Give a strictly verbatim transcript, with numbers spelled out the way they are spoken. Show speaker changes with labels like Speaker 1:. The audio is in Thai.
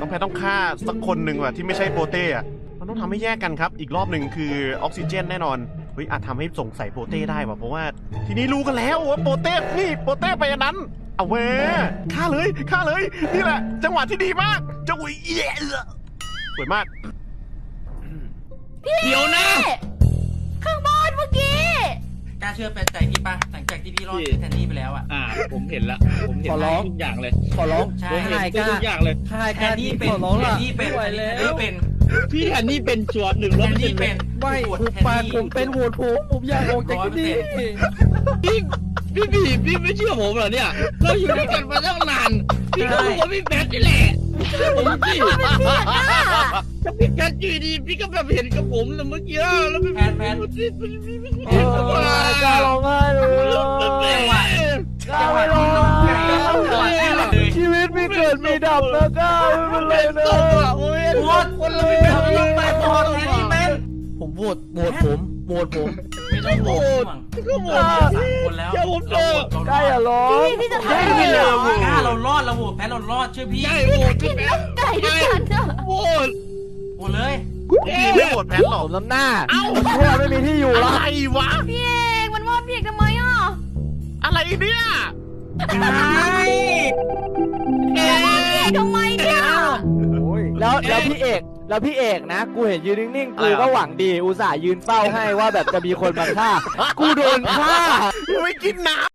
Speaker 1: องแพทต้องฆ่าสักคนหนึ่งว่ะที่ไม่ใช่โปเต้อะมันต้องทำให้แยกกันครับอีกรอบหนึ่งคือออกซิเจนแน่นอนเฮ้ยอาจทำให้สงสัยโปเต้ได้ว่ะเพราะว่าทีนี้รู้กันแล้วว่าโปเต้นี่โปเต้ไปอันนั้นเอาเว้ฆ่าเลยฆ่าเลยนี่แหละจังหวะที่ดีมากจังหวะเอี้ยสวยมาก
Speaker 2: เดี๋ยวนะ
Speaker 3: ข้างบนเมื่อกี้
Speaker 4: กล้าเชื่อเป็นใจพี่ปะหลังจากที่พี่รอดแทนนี่ไปแล้วอ่ะ
Speaker 2: อ่าผมเห็นละผมเห็นทุกอย่างเลย
Speaker 5: ขอร้อง
Speaker 2: ผมเห็นทุกอย่างเลย
Speaker 5: ใช่
Speaker 4: แทนนี่เป็นแทนนี่เป็นแทนนี่เป็น
Speaker 2: พี่แทนนี่เป็นชัวร์หนึ่งร้อยเปอร์เซ็นต์เป็น
Speaker 5: ไม่ผมปากผมเป็นโหวตผมผมอยากออกจากที่นี่
Speaker 2: พี่พี่พี่พี่ไม่เชื่อผมเหรอเนี่ยเราอยู่ด้วยกันมาตั้งนานพี่ก็รู้ว่าพี่แพทนี่แหละผมพี่ถ้าพี่แพทอยู่ดีพี่ก็แบบเห็นกับผมแล้วเมื่อกี้แล้วพี่
Speaker 4: แพทแพท
Speaker 5: กล้าร้องไห้เลยกล้าไม่ร้องชีวิตมีเกิดมีดับนะกล้าไม่เป็นไรนะ
Speaker 2: โอ้ย
Speaker 4: โหวตคนเราไม่ทำยังไปโหวตแทนนี่เป็น
Speaker 5: ผมโหวตโหวตผมโหวตผม
Speaker 4: ไม่ต้องโหวต
Speaker 2: ก็โหวต
Speaker 4: สามคนแล้ว
Speaker 2: อย่าผมเจอก
Speaker 5: ล้าอย่าร้อง
Speaker 3: พี่พี่จะทำอะไรเหรอก
Speaker 4: ล้าเรารอดเราโหวตแพ้เรารอดช่วยพี่
Speaker 2: ใช่โหวตพี่แพท
Speaker 3: ไก่ด้วยกันเถอะ
Speaker 2: โหวต
Speaker 4: โหวตเลย
Speaker 1: พี่ไม่โหวตแพทหรอก
Speaker 5: ผมน้ำหน้าเอ้าพวกไม่มีที่อยู่แล้ว
Speaker 1: อะไรวะ
Speaker 3: พี่เอกมันว่าพี่เอกทำไมอ่ะ
Speaker 1: อะไรเนี่ย
Speaker 3: เอกทำไมเนี่ย
Speaker 5: แล้วแล้วพี่เอกแล้วพี่เอกนะกูเห็นยืนนิ่งๆกูก็หวังดีอุตส่าห์ยืนเฝ้าให้ว่าแบบจะมีคนมาฆ่ากูโดนฆ่า
Speaker 1: ไม่กินน้ำ